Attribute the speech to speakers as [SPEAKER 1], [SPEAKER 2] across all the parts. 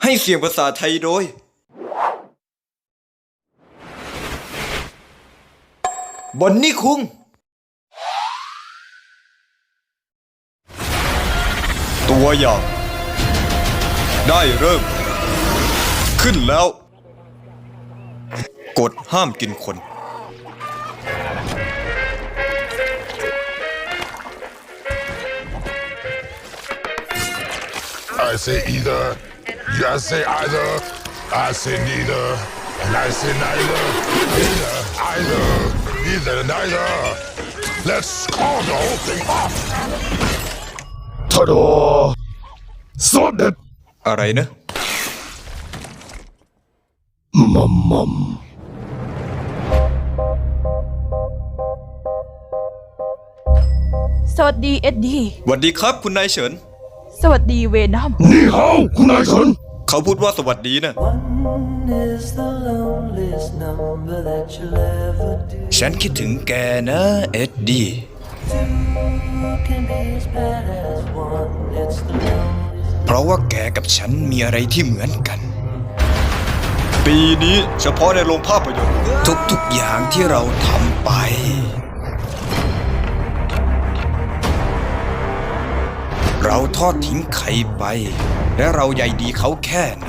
[SPEAKER 1] ให้เสียงภาษาไทยโดยบอนนี่คุงตัวอย่างได้เริ่มขึ้นแล้วกฎห้ามกินคน
[SPEAKER 2] I say either, you say either, I say neither, and I say neither, neither, either, neither, neither. Let's call the whole thing off. Ta-da! สดเด็ด
[SPEAKER 1] อะไรนะ
[SPEAKER 2] มัม
[SPEAKER 3] สวัสดีเอ็ดดี้
[SPEAKER 1] สวัสดีครับคุณนายเฉิน
[SPEAKER 3] สวัสดีเวนัม
[SPEAKER 2] นี่เฮาคุณนายฉัน
[SPEAKER 1] เขาพูดว่าสวัสดีนะ
[SPEAKER 4] One is the loneliest number that you'll ever do.
[SPEAKER 1] ฉันคิดถึงแกนะเอ็ดดี้
[SPEAKER 4] Two can be as bad as one. It's the loneliest.
[SPEAKER 1] เพราะว่าแกกับฉันมีอะไรที่เหมือนกัน ปีนี้เฉพาะในโรงภาพยนตร์ทุกๆอย่างที่เราทำไปเราทอดทิ้งใครไปและเราใยดีเขาแค่ไหน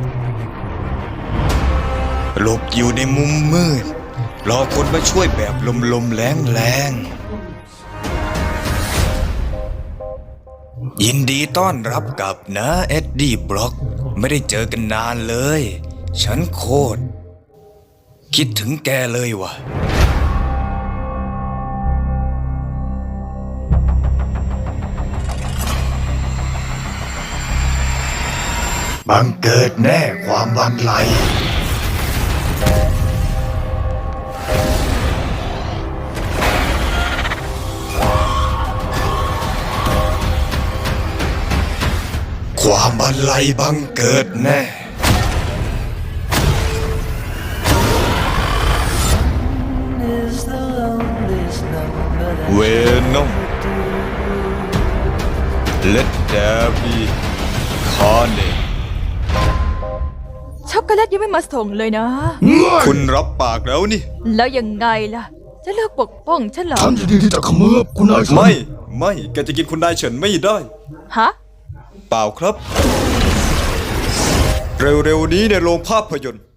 [SPEAKER 1] หลบอยู่ในมุมมืดรอคนมาช่วยแบบลมๆแรงๆยินดีต้อนรับกลับนะเอ็ดดี้บล็อกไม่ได้เจอกันนานเลยฉันโคตรคิดถึงแกเลยว่ะบังเกิดแน่ความบันไลความบันไลบังเกิดแน่
[SPEAKER 4] Is the loneliest number that
[SPEAKER 1] เวนอม Let there be carnage
[SPEAKER 3] ช็อกโกแลตยังไม่มาส่งเลยนะ
[SPEAKER 1] คุณรับปากแล้วนี่
[SPEAKER 3] แล้วยังไงล่ะ จะเลิกปกป้องฉันเหรอ
[SPEAKER 2] ฉันยินดีที่จะเขมือบคุณนายฉัน
[SPEAKER 1] ไม่แกจะกินคุณนายเฉินไม่ได้
[SPEAKER 3] ฮะ
[SPEAKER 1] เปล่าครับ เร็วๆนี้ในโรงภาพยนตร์